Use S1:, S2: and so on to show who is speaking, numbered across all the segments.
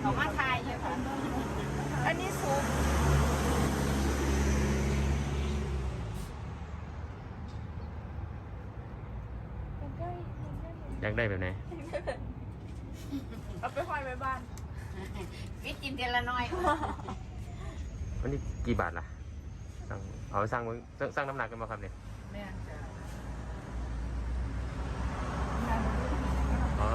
S1: เขามาทายอยู่ค่ะอันนี้ซุป
S2: อยากได้แบบไหน
S1: เอาไปห้อยไว้บ้านวิจินเทละน้อย
S2: วันนี้กี่บาทล่ะเอาสร้างน้ำหนักกันมาครับเนี่ยอ๋อ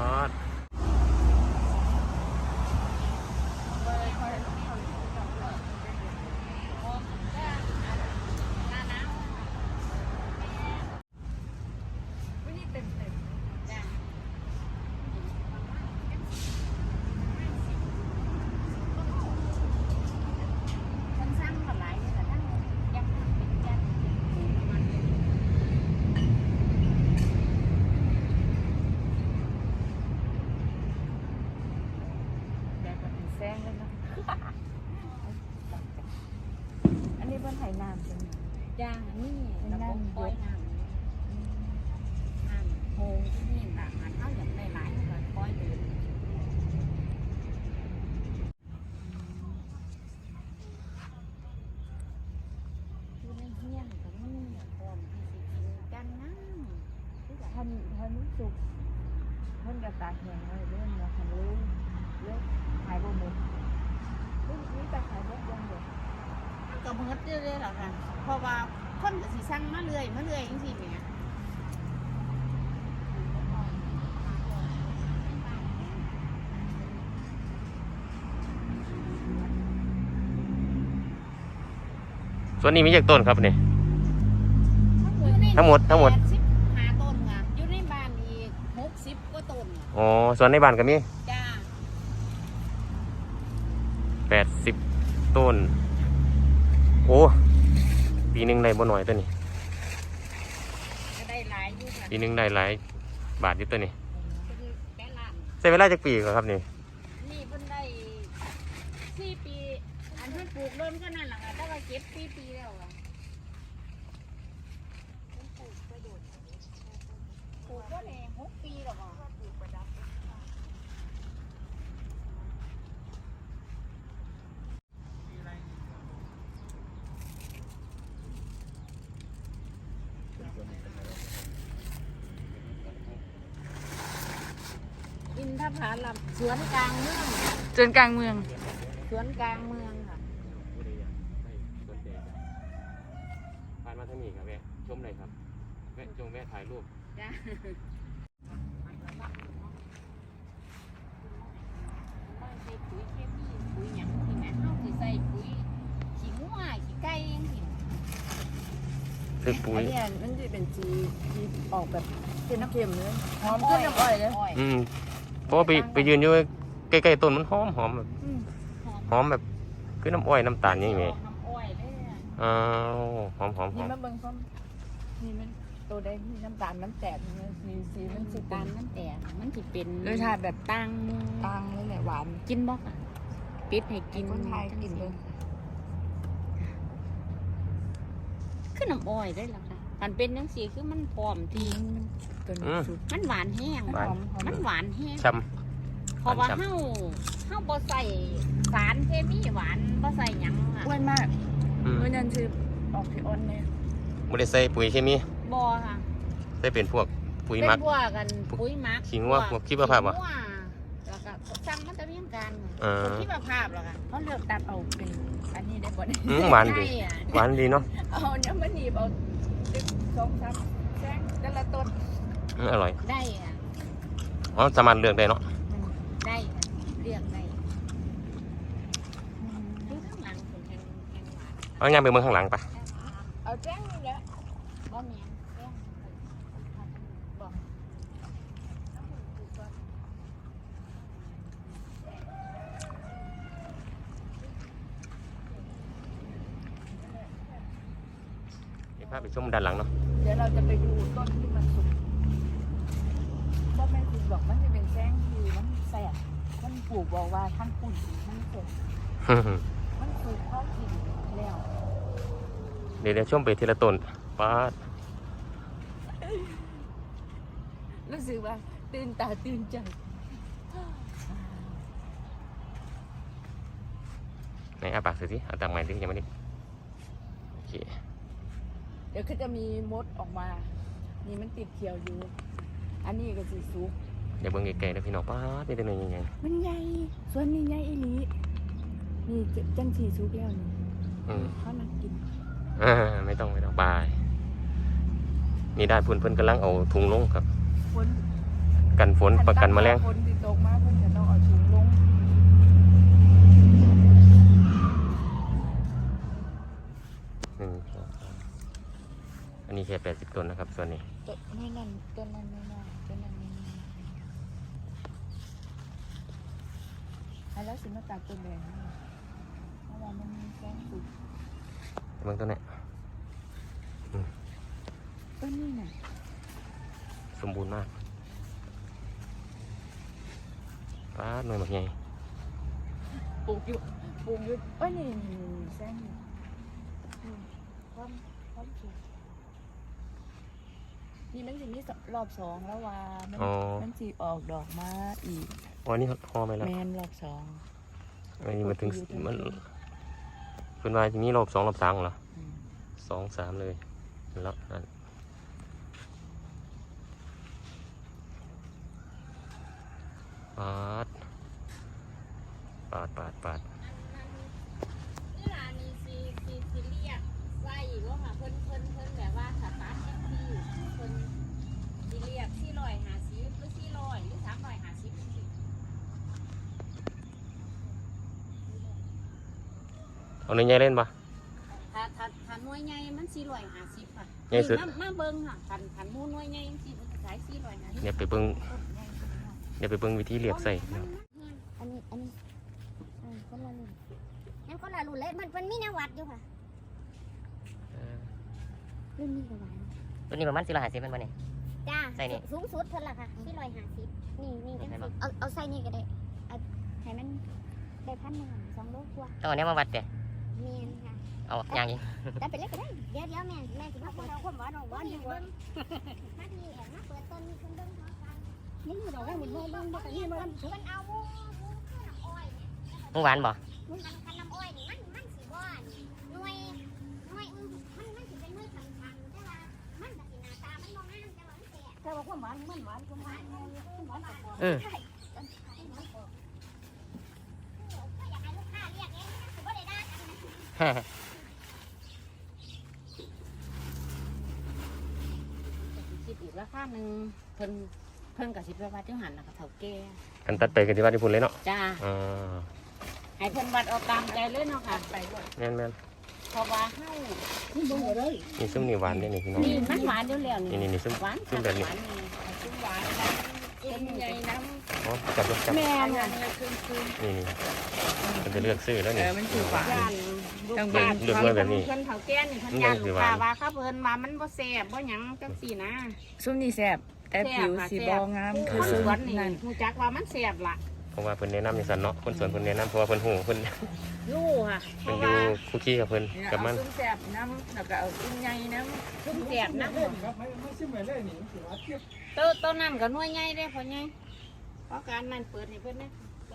S1: แซงเลยนะอันนี้เป็นไห่น้ำใช่ไหมย่างนี่ระบบปล่อยน้ำโฮงที่นี่ต่างกันเขาอย่างหลายๆก็ปล่อยเดินอยู่ในเฮี้ยนกับนี่พร้อมที่สิกินกันนะท่านสุกท่านกระตากแห้งเลยเรื่องมาทำรู้เยอะหายบ่หมดนี่แต่ขายบ่ยังเดียวก็เมื่อเรื่อยๆหรอกค่ะเพราะว่าคนก็สิสั่งมาเรื่อยจริงๆเนี่ย
S2: ส่วนนี้มีจากต้นครับเนี่ยทั้งหมด85 ต้น
S1: ค่ะอยู่ในบ้านอีก60 กว่าต้น
S2: อ๋อส่วนในบ้านก็มี
S1: จ้า
S2: 80 ต้นโอ้ปีหนึ่งได้บ่หน่อยตัวนี้
S1: ก็ได้หลายอยู่ค่ะ
S2: ปีหนึ่งได้หลายบาทอยู่ตัวนี้
S1: แปดล้าน
S2: ใช้เวลาจากปีครับนี่
S1: นี่เพิ่นได้4 ปีอันเพิ่นปลูกเริ่มก็นั่นแหละค่ะแต่ว่าเก็บ4 ปีแล้วค่ะปลูกก็ได้6 ปีแล้วค่ะปลูกประดับอินทผลัมสวนกลางเมือง
S3: จนกลางเมือง
S1: สวนกลางเมืองค่ะ
S2: ผ่านมาทางนี้ครับแวะชมเลยครับแวะถ่ายรูป
S1: จ้าใส่ปุ๋ยเคมีปุ๋ยหยังที่แม่เขาสิใส่ปุ๋ยขี้งัวขี้ไก่ยังสิ
S2: คือปุ๋ย
S3: เนี่ยมันจะเป็นสีที่ออกแบบเค็มๆเลยหอมขึ้นน้ำอ้อยเลย
S2: เพราะว่าไปยืนอยู่ใกล้ๆต้นมันหอมแบบหอมแบบคือน้ำอ้อยน้ำตาลอย่างนี้
S1: น้ำอ้อยเลย
S2: หอม
S3: นี่มาเบิ่งซ้ำนี่มันตัวได้มีน้ำตาลมันแตกสีมันสี
S1: ตาลมันแตกมันสิเป็น
S3: รสชาติแบบตั้งเลยแหละหวาน
S1: กินบ่ค่ะปิดให้กิน
S3: คนไทยกินเลย
S1: คือน้ำอ้อยได้แล้วค่ะมันเป็นจังซี่คือมันพร้อมทีมันหวานแห้งมันหวานแห้ง
S2: ช้ำ
S1: เพราะว่าเฮาบ่ใส่สารเคมีหวานบ่ใส่หยังค่ะ
S3: อ้วนมากเมื่อนั้นคือออกที่อ้อนเนี่ย
S2: ไม่ได้ใส่ปุ๋ยเคมี
S1: บ่ค่ะ
S2: ใส่เป็นพวกปุ๋ยหมัก
S1: เป็นพวกกันปุ๋ยหมัก
S2: ขิงว่าพวกขี้มะพร้าว
S1: แล้วก็สั่งมาตะเวียงกันพวกขี้มะพร้าวแล้วค่ะ
S3: เขาเลือกตัดเอาเป็นอันนี้ได้บ่
S2: หวานดีเนาะ
S3: เอาเนี่ยมันหนีบเอา2-3แซงแต่ละต้น
S2: อร่อย
S1: ได้
S2: อ๋อสามารถเลือกได้เนาะ
S1: ได้เลือกได้ข้างหลังเป็นแห้งหวาน
S2: เอางานไปเมืองข้างหลังปะ
S3: เอาแจ้งนี่แหละ
S1: บ่แม่นแจ้งบอก
S2: พาไปชมด้านหลังเนาะ
S3: เดี๋ยวเราจะไปดูต้นที่มันสุกบ่แม่นสุกหรอกมันจะเป็นแซงที่มันแสบมันปลูกบอกว่าทั้งปุ่นทั้งเสร็จมันสุกเข้ากินแล้ว
S2: เดี๋ยวช่วงไปทีละต้นป้า
S3: รู้สึกว่าตื่นตาตื่นใจ
S2: ไหนอาปากสิเอาตามใหม่สิยังไม่ได้โอเค
S3: เดี๋ยวก็จะมีมดออกมา นี่มันติดเขียวอยู่ อันนี้ก็สีสุก
S2: เดี๋ยวเบิ่งไกลๆนะพี่น้องป้าดมีแต่หน่วยใหญ่
S3: มันใหญ่ส่วนนี้ใหญ่อีหลีนี่จังสีสุกแล้วนี่
S2: ๆอืม
S3: เขานักกิน
S2: ไม่ต้องบายนี่ได้เพิ่นกำลังเอาถุงลงครับ
S3: ฝน
S2: กันฝนประกันแมลง
S3: ฝนที่ตกมาเพิ่นจะต้องเอาถุงลง
S2: อันนี้แค่80ต้นนะครับส่วนนี้
S3: ต้นนั่นต้นนั้นไม่น่าต้นนั้นไม่น่าแล้วสิมาตัดต้นแดงนี่เพราะว่ามันมีแสงสุก
S2: เบิ่งต้นนี้
S3: ต้นนี้น่ะ
S2: สมบูรณ์มากป้าดหน่วยหมากใหญ่
S3: ปลูกอยู่เอ้ยนี่แสงนี่ความสุกนี่มันสิมีรอบสองแล้วว่ามันสิออกดอกมาอีก
S2: อ๋อนี่ห่อไหมล่ะ
S3: แมนรอบสอง
S2: อันนี้มันถึงมันเพิ่นว่าจะมีรอบ2รอบ3เหรอ 2 3เลยแล้วนั่นปาด
S1: เวลานี้สิเรียกไว้ว่าค่ะเพิ่นแบบว่าสตาร์ทแท็กซี่เพิ่นสิเรียก450หรือ400หรือ350จังซี่
S2: เอาในใหญ่เล่นปะ
S1: ถ้าหน่วยใหญ่มัน450ค่ะ
S2: ใหญ่สุด
S1: มาเบิ่งค่ะคันหมู่หน่วยใหญ่จังซี่มันขาย450
S2: เนี่ยไปเบิ่งวิธีเรียกใส่
S4: อันนี้คนละรุ่นงั้นคนละรุ่นเลยมันมีแนววัดอยู่ค่ะรุ่นนี้ก็หวาน
S5: ตัวนี้ประมาณ450เป็นบ่เนี่ย
S4: จ้า
S5: ใส่นี่
S4: สูงสุดเท่าไหร่ค่ะที่150นี่จังสิเอาใส่นี่ก็ได้เอาให้มันได้1,000 2 โลกว่า
S5: ต้องเอาเนี้ยมาวัดเด้
S4: เมียนค่ะ
S5: เอาอย่างนี้
S4: แต่เป็นเล็กก็ได้เดี๋ยวแม่สิมาเปิดความหวานของหวานอยู่เบิ่งมาดีแอบมาเปิดต้นนี้ขึ้นเบิ่งพร้อมกันนี่ดอกว่ามันบ่เบิ่งบ่กันนี่มันเอาหมูข้าวน้ำอ้อยเนี่ย
S5: มึงหวานบ่
S4: มันกันน้ำอ้อยนี่มันสิบ่หน่วยมันสิเป็นหน่วยสำคัญแต่ว่ามันก็สิหน้าตามันบ่งามแต่ว่ามันแซ่บแต่ว่าความหวานมันหวานกับ
S5: อืม
S4: ก็อยากให้ลูกค้าเรียกเองนะสิบ่ได้ด่ากันนะ
S1: คิดอีกราคาหนึงเพิ่นก็สิไปวัดอยู่หั่นน่ะค่ะเฒ่าแก่
S2: กันตัดไปกันที่ว่าที่พุ่นเลยเนาะ
S1: จ้า
S2: อ่า
S1: ให้เพิ่นวัดเอาตามใจเลยเนาะค่ะไปบ่
S2: แม่น
S1: เพราะว่าเฮานี่เบิ่งเอาเลย
S2: นี่ซุ่มนี่หวานนี่พี่น้อง
S1: นี่มันหวานอยู่แล้วนี่
S2: นี่ซุ่ม
S1: หวาน
S2: ซุ่มแบบนี้
S1: หวานนี่ซุ่มหวานต้นใหญ่น้ำ
S2: อ๋อจับ
S1: แม่น่ะคือ
S2: นี่มันจะเลือกซื้อแล้วนี่
S3: มันถือหวาน
S1: ย่านลูกค้า
S2: เลือกมาแบบนี้
S1: เพิ่นเฒ่าแก่นี่เพิ่นย่านลูกค้าว่าเขาเพิ่นว่ามันบ่แซ่บบ่หยังจังซี่นะ
S3: ซุ้มนี่แซ่บแต่ผิวสีบองาม
S1: ค
S3: คือน
S1: ส
S3: ซุ้ม
S1: วนนี่
S3: นั่น
S1: ฮู้จักว่ามันแซ่บล่ะ
S2: เพราะว่าเพิ่นแนะนำอย่างซั่นเนาะคนสวนเพิ่นแนะนำเพราะว่าเพิ่นฮู้เพิ่น
S1: รู้ค่ะเพ
S2: เพิ่น
S1: ราะ
S2: อยู่
S1: ว่า
S2: คุกคีกับเพิ่นกับมัน
S3: ซุ้มแซ่บน้ำแล้วก็เอาซุ้มใหญ่น้ำ
S1: ซุ่มแซ่บนะ
S6: ไม่ซิมไม่เลยนี่ถือว่าเทียบ
S1: ต้นนั้นก็หน่วยใหญ่เด้พ่อใหญ่เพราะการนั้นเปิดให้เพิ่นนะ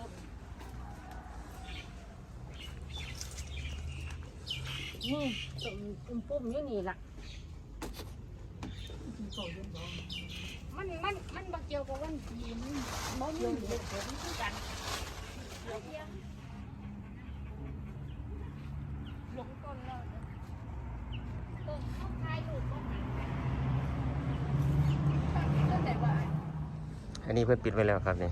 S1: นี่ตุ่มปุ่มอยู่นี่ล่ะมันบ่เกี่ยวกับวันที่มันบ่มีเหตุผลคือกันเดี๋ยวลงต้นแล้วต้นเขาคายลูกบ่หางต้นไหนว่า
S2: อันนี้เพิ่นปิดไว้แล้วครับนี่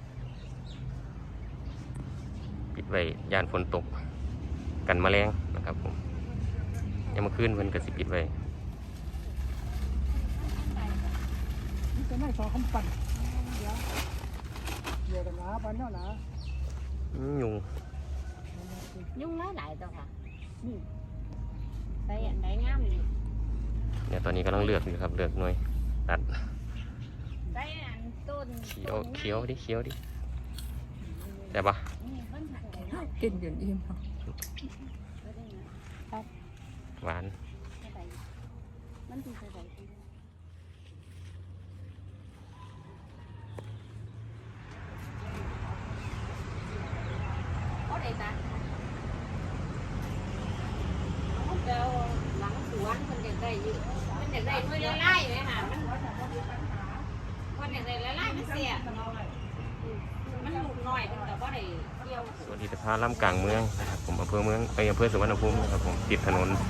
S2: ปิดไว้ยานฝนตกกันแมลงนะครับผมยังมาคืนเพิ่นก็สิปิดไว้
S6: จะไม่สอคำปั่นเดี๋ยวกันนะปั่นเนาะนะ
S2: ยุง
S1: ยุ่งหลายตัวค่ะนี่ใส่อันใดงามนี่
S2: เนี่ยตอนนี้กำลังเลือกอยู่ครับเลือกหน่วยตัด
S1: ใส่อันต้น
S2: เขียวดิแต่ปะ
S1: นี่เพิ่นหักได้เนาะ
S3: กินจนอิ่ม
S2: หวาน
S1: มันสิใส่ได้เอาได้ตา
S3: ได้อยู่มันอยากได้หน่วยละลายไหมหามันอยากได้ละลายมันเสียมันลูกน้อยมันแต่ว่าได้เกี่ยว
S2: สวัสดีสภาล่ำกลางเมืองนะครับผมอำเภอเมืองอำเภอสุวรรณภูมินะครับผมติดถนน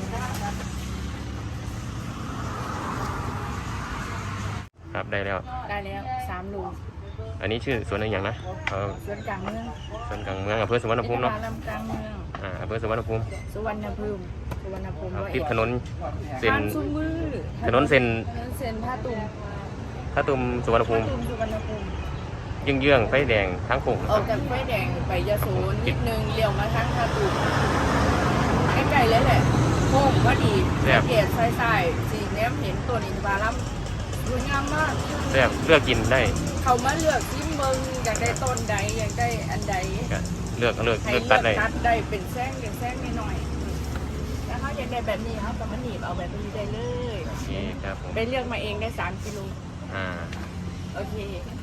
S2: ครับได้แล้ว
S3: ได้แล้ว3 ลูก
S2: อันนี้ชื่อสวนอะไรอย่างนะ
S3: สวนกลางเมือง
S2: สวนกลางเมืองอำเภอสุวรรณภูมิเนาะ
S3: ลำกลางเมือง
S2: อำเภอสุวรรณภูมิ
S3: สุวรรณภูมิ
S2: ครับ
S3: ร้อย
S2: ติด
S3: เอ็ด
S2: ถนนเส้น
S3: ทางซุมือ
S2: ถนนเส้น
S3: เส้นท่าตุ่ม
S2: ท่าตุ่มสุวรรณภูมิ
S3: สุวรรณภูมิ
S2: เยื่องๆไฟแดงทั้งโค้ง
S3: ออกจากไฟแดงไปยโสนิดนึงเลี้ยวมาทางท่าตุ่มใกล้ๆเลยแหละโค้งก็ดีเกียรติใส่สีแนมเห็นตัวนี้บาลัมสวยงามมาก
S2: แซ่บเลือกกินได้
S3: เขามาเลือกที่เมืองอยากได้ต้นใดอยากได้อันใด
S2: ก็เลือก
S3: ให้
S2: เลือก
S3: เลื
S2: ตั
S3: อ
S2: ด
S3: ก
S2: ได้
S3: ตัดได้เป็นแซงหน่อยๆแล้วเขาอยากได้แบบนี้เขาก็มาหนีบเอาแบบนี้ได้เลย
S2: โอเคครับผม
S3: ไปเลือกมาเองได้3 กิโล โอเค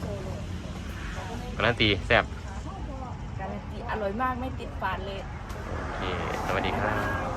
S2: การันตีแซ่บ
S3: การันตีอร่อยมากไม่ติดฝาดเลย
S2: โอเคสวัสดีครับ